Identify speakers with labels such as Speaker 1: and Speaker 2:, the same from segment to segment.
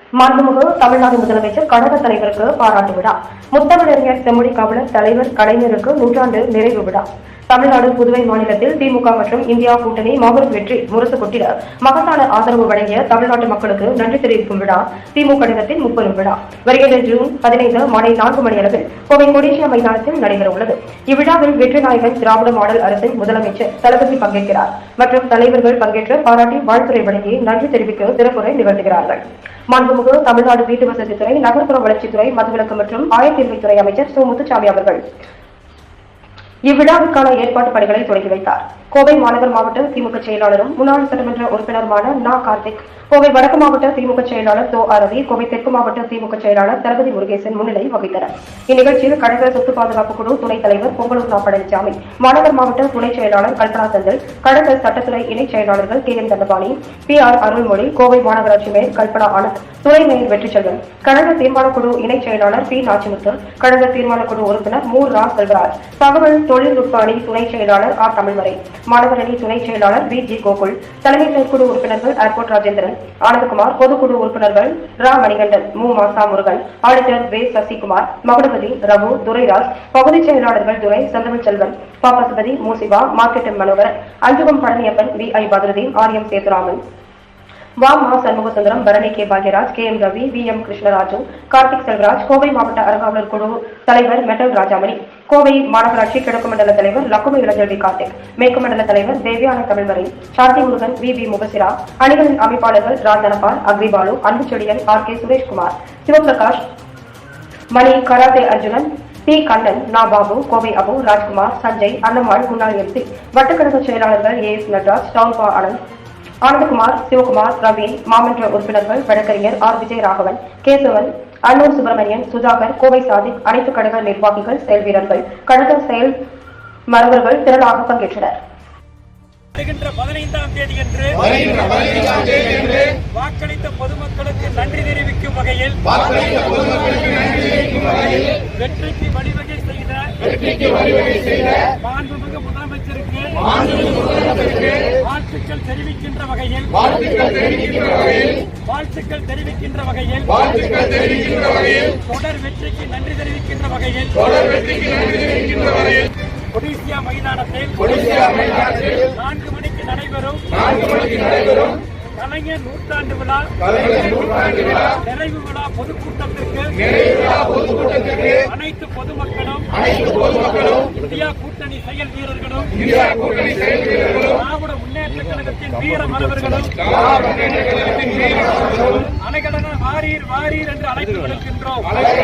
Speaker 1: மாண்புமிகு தமிழ்நாடு முதலமைச்சர் கழக தலைவருக்கு பாராட்டு விழா. முத்தமிழறிஞர் செம்மொழி காவலர் தலைவர் கலைஞருக்கு நூற்றாண்டு நிறைவு விழா. தமிழ்நாடு புதுவை மாநிலத்தில் திமுக மற்றும் இந்தியா கூட்டணி மாபெரும் வெற்றி முரசு கொட்டிட மகத்தான ஆதரவு வழங்கிய தமிழ்நாட்டு மக்களுக்கு நன்றி தெரிவிக்கும் விழா திமுக கழகத்தின் முப்பெரும் விழா வருகின்ற ஜூன் 15 மாலை 4 மணி அளவில் கோவை கொடிசியா மைதானத்தில் நடைபெற உள்ளது. இவ்விழாவில் வெற்றி நாயகன் திராவிட மாடல் அரசின் முதலமைச்சர் தளபதி பங்கேற்கிறார் மற்றும் தலைவர்கள் பங்கேற்று பாராட்டி வாழ்த்துறை வழங்கி நன்றி தெரிவிக்க சிறப்புரை நிகழ்த்துகிறார்கள். மாண்புமிகு தமிழ்நாடு வீட்டு வசதித்துறை, நகர்ப்புற வளர்ச்சித்துறை, மதுவிலக்கு மற்றும் ஆயத்தீர்வைத்துறை அமைச்சர் சு. முத்துசாமி அவர்கள் இவ்விழாவுக்கான ஏற்பாட்டு பணிகளை தொடங்கி வைத்தார். கோவை மாநகர் மாவட்ட திமுக செயலாளரும் முன்னாள் சட்டமன்ற உறுப்பினருமான நா. கார்த்திக், கோவை வடக்கு மாவட்ட திமுக செயலாளர் தோ. ரவி, கோவை தெற்கு மாவட்ட திமுக செயலாளர் தளபதி முருகேசன் முன்னிலை வகித்தனர். இந்நிகழ்ச்சியில் கழக சொத்து பாதுகாப்பு குழு துணைத் தலைவர் பொங்கலூர் நா. பழனிசாமி, மாநகர் மாவட்ட துணை செயலாளர் கல்பனா செந்தில், கழக சட்டத்துறை இணைச் செயலாளர்கள் K. N. Dhandapani, P. R. Arulmozhi, Kovai மாநகராட்சி மேயர் கல்பனா ஆனந்த், துணை மேயர் வெற்றிச்செல்வன், கழக தீர்மான குழு இணைச் செயலாளர் பி. நாச்சிமுத்து, கழக தீர்மான குழு உறுப்பினர் மு. ரா. செல்வராஜ், தகவல் தொழில்நுட்ப அணி துணை செயலாளர் ஆர். தமிழ்மறை, மாநகர் அணி துணை செயலாளர் வி. ஜி. கோகுல், தலைமை செயற்குழு உறுப்பினர்கள் ஏர்போர்ட் ராஜேந்திரன், ஆனந்தகுமார், பொதுக்குழு உறுப்பினர்கள் ரா. மணிகண்டன், மு. மாசா முருகன், ஆடிட்டர் வே. சசிகுமார், மகுடபதி, ரகு, துரைராஜ், பகுதிச் செயலாளர்கள் துரை, செந்தமிழ் செல்வன், பாப்பசுபதி, மு. சிவா, மார்க்கெட்டன் Manoharan, Anjugam Palaniappan, V. I. Badruddin, R. M. Sethuraman, வா. மா. Shanmugasundaram, Barani K. Bhagyaraj, K. M. Ravi, V. M. Krishnaraju, Karthik Selvaraj, Kovai மாவட்ட அறங்காவலர் குழு தலைவர் மெட்டல் ராஜாமணி, கோவை மாநகராட்சி கிழக்கு மண்டல தலைவர் லக்குமி இளஞ்செல்வி கார்த்திக், மேற்கு மண்டல தலைவர் தேவியான தமிழ்மறை, சாந்தி முருகன், வி. பி. முபசிரா, அணிகளின் அமைப்பாளர்கள் Rajanpal, Agribalu, Anbuchezhiyan, R. K. Sureshkumar, Sivaprakash, Mani, karate Arjunan, T. Kannan, நா. பாபு, கோவை அபு, ராஜ்குமார், சஞ்சய், அன்னம்மாள், முன்னாள் எம்பி, வட்டக்கழக செயலாளர்கள் ஏ. எஸ். நட்ராஜ், டவுன் பா. ஆனந்த், ஆனந்தகுமார், சிவகுமார், ரவி, மாமன்ற உறுப்பினர்கள் வழக்கறிஞர் ஆர். விஜயராகவன், கேசவன், அன்னூர் சுப்பிரமணியன், சுதாகர், கோவை சாதிக், அனைத்து கழக நிர்வாகிகள், செயல் வீரர்கள், கழக செயல் மரபர்கள் திரளாக பங்கேற்றனர்.
Speaker 2: 15ஆம் தேதியன்று வாக்களித்த பொதுமக்களுக்கு நன்றி தெரிவிக்கும் வகையில் வெற்றிக்கு வழிவகை செய்த மாண்புமிகு முதலமைச்சருக்கு வாழ்த்துக்கள் தெரிவிக்கின்ற வகையில் தொடர் வெற்றிக்கு நன்றி தெரிவிக்கின்ற வகையில் கொடிசியா மைதானத்தில் 4 மணிக்கு நடைபெறும் கலைஞர் நூற்றாண்டு விழா நிறைவு விழா பொதுக்கூட்டத்திற்கு அனைத்து பொதுமக்களும் இந்தியா கூட்டணி செயல் வீரர்களும் திராவிட முன்னேற்ற கழகத்தின் வீர மரபர்களும் அனைகடன வாரீர் வாரீர் என்று அழைத்து விடுக்கின்றோம்.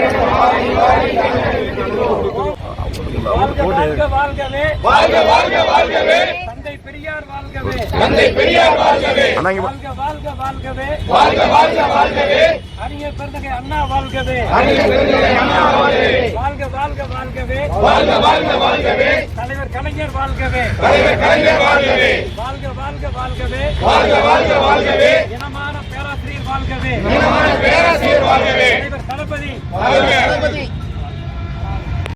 Speaker 2: வாழ்க வாழ்கவே, வாழ்க வாழ்க வாழ்கவே, தந்தை பெரியார் வாழ்கவே, தந்தை பெரியார் வாழ்கவே, வாழ்க வாழ்க வாழ்கவே, வாழ்க வாழ்க வாழ்கவே, அறிஞர் பெருந்தகை அண்ணா வாழ்கவே, அறிஞர் பெருந்தகை அண்ணா வாழ்கவே, வாழ்க வாழ்க வாழ்கவே, வாழ்க வாழ்க வாழ்கவே, தலைவர் கலைஞர் வாழ்கவே, தலைவர் கலைஞர் வாழ்கவே, வாழ்க வாழ்க வாழ்கவே, வாழ்க வாழ்க வாழ்கவே, இனமான பேராசிரியர் வாழ்கவே, இனமான பேராசிரியர் வாழ்கவே, தலைவர் தளபதி வாழ்க.